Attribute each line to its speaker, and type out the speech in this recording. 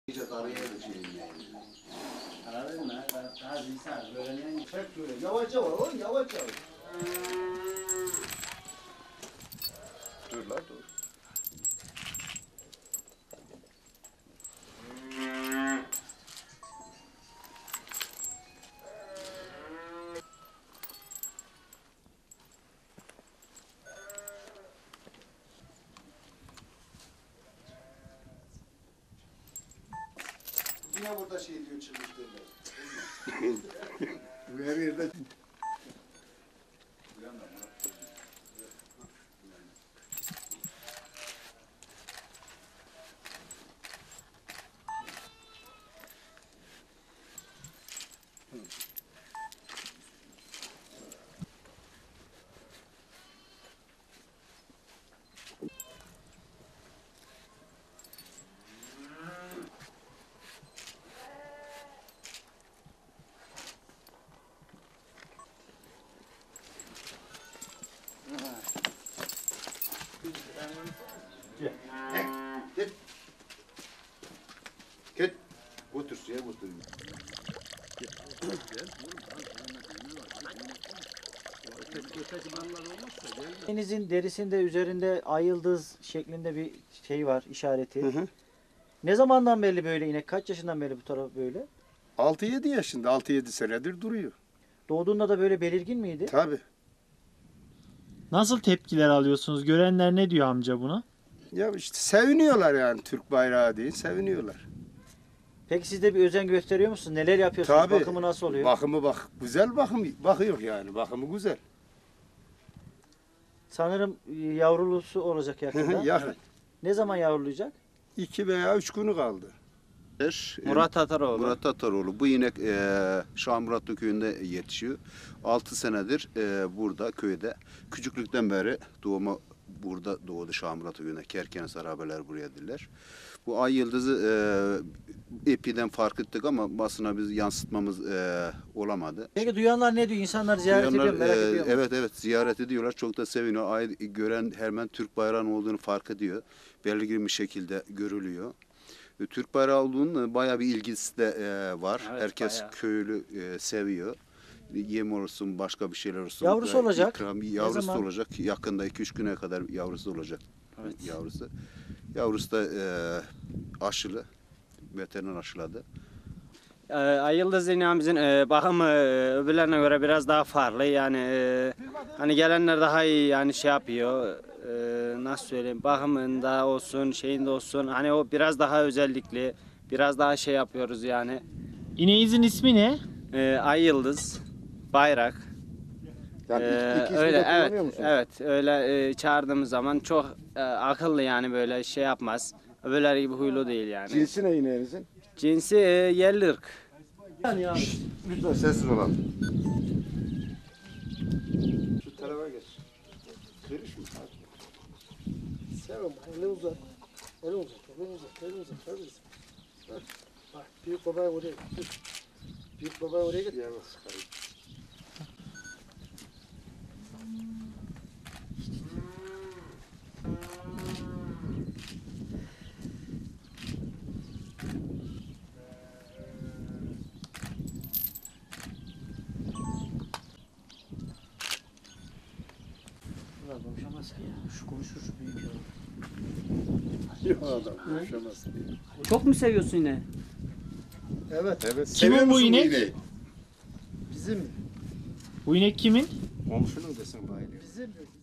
Speaker 1: Anladın mı? Daha insan öğrenen
Speaker 2: Hep böyle yavaş yavaş oğlum yavaş yavaş.
Speaker 3: Dur lan dur.
Speaker 2: Yine burada şey diyor çıkmış derler.
Speaker 3: Her yerde. Git. Git. Götür suya götür.
Speaker 4: Denizin derisinde üzerinde ay yıldız şeklinde bir şey var, işareti.
Speaker 3: Hı.
Speaker 4: Ne zamandan beri böyle inek? Kaç yaşından beri bu taraf böyle?
Speaker 3: 6-7 yaşında, 6-7 senedir duruyor.
Speaker 4: Doğduğunda da böyle belirgin miydi?
Speaker 3: Tabii.
Speaker 5: Nasıl tepkiler alıyorsunuz? Görenler ne diyor amca buna?
Speaker 3: Ya işte seviniyorlar yani Türk bayrağı değil, seviniyorlar.
Speaker 4: Peki siz de bir özen gösteriyor musunuz? Neler yapıyorsunuz?
Speaker 3: Tabii.
Speaker 4: Bakımı nasıl oluyor?
Speaker 3: Bakımı bak, güzel bakıyor yani, bakımı güzel.
Speaker 4: Sanırım yavrulusu olacak yakında.
Speaker 3: Yakın.
Speaker 4: Ne zaman yavrulayacak?
Speaker 3: 2 veya 3 günü kaldı.
Speaker 6: Murat Tataroğlu.
Speaker 7: Murat Tataroğlu. Bu inek Şahmuratlı köyünde yetişiyor. 6 senedir burada köyde. Küçüklükten beri doğuma burada doğdu Şahmuratlı köyünde. Kerkenes arabeler buraya diller. Bu ay yıldızı epiden fark ettik ama basına biz yansıtmamız olamadı.
Speaker 4: Peki duyanlar ne diyor? İnsanlar ziyaret ediyor mu? Merak ediyor mu?
Speaker 7: Evet ziyaret ediyorlar. Çok da seviniyor. Ay gören hemen Türk bayrağının olduğunu fark ediyor. Belirgin bir şekilde görülüyor. Türk bayrağı olduğunun bayağı bir ilgisi de var.
Speaker 6: Evet,
Speaker 7: Herkes
Speaker 6: bayağı.
Speaker 7: köylü seviyor. Yem olsun, başka bir şeyler olsun.
Speaker 4: Yavrusu olacak.
Speaker 7: Yavrusu
Speaker 4: zaman?
Speaker 7: olacak. Yakında 2-3 güne kadar yavrusu olacak.
Speaker 6: Evet.
Speaker 7: Yavrusu. Yavrusu da aşılı. Veteriner aşıladı.
Speaker 6: Ay Yıldız ineğimizin bakımı öbürlerine göre biraz daha farklı. Yani hani gelenler daha iyi yani şey yapıyor. Nasıl söyleyeyim? Bakımında olsun, şeyinde olsun. Hani o biraz daha özellikli. Biraz daha şey yapıyoruz yani.
Speaker 5: İneğinizin ismi ne?
Speaker 6: Ay Yıldız, bayrak.
Speaker 3: Yani iki
Speaker 6: Öyle
Speaker 3: de kullanıyor
Speaker 6: evet,
Speaker 3: musun?
Speaker 6: evet öyle çağırdığımız zaman çok akıllı yani böyle şey yapmaz. Öbürleri gibi huylu değil yani.
Speaker 3: Cinsi ne ineğinizin?
Speaker 6: Cinsi yerli ırk.
Speaker 3: Lütfen sessiz olalım. Şu tarafa geç. Giriş mi?
Speaker 2: Sevim elini uzat. Elini uzat. Elini uzat. Elini uzat. Elini uzat. Heh. Bak büyük babayı oraya git. Büyük babayı oraya git.
Speaker 3: Yavaş çıkarayım.
Speaker 4: Bunlar konuşamaz ki ya. Şu konuşur şu büyük ya.
Speaker 3: Yok adam konuşamaz.
Speaker 8: Çok mu seviyorsun yine?
Speaker 2: Evet.
Speaker 3: Evet.
Speaker 5: Kimin
Speaker 3: seviyor
Speaker 5: bu
Speaker 3: musun
Speaker 5: inek?
Speaker 3: ineği?
Speaker 2: Bizim
Speaker 5: Bu inek kimin?
Speaker 3: Komşunun desin bayılıyor.
Speaker 2: bizim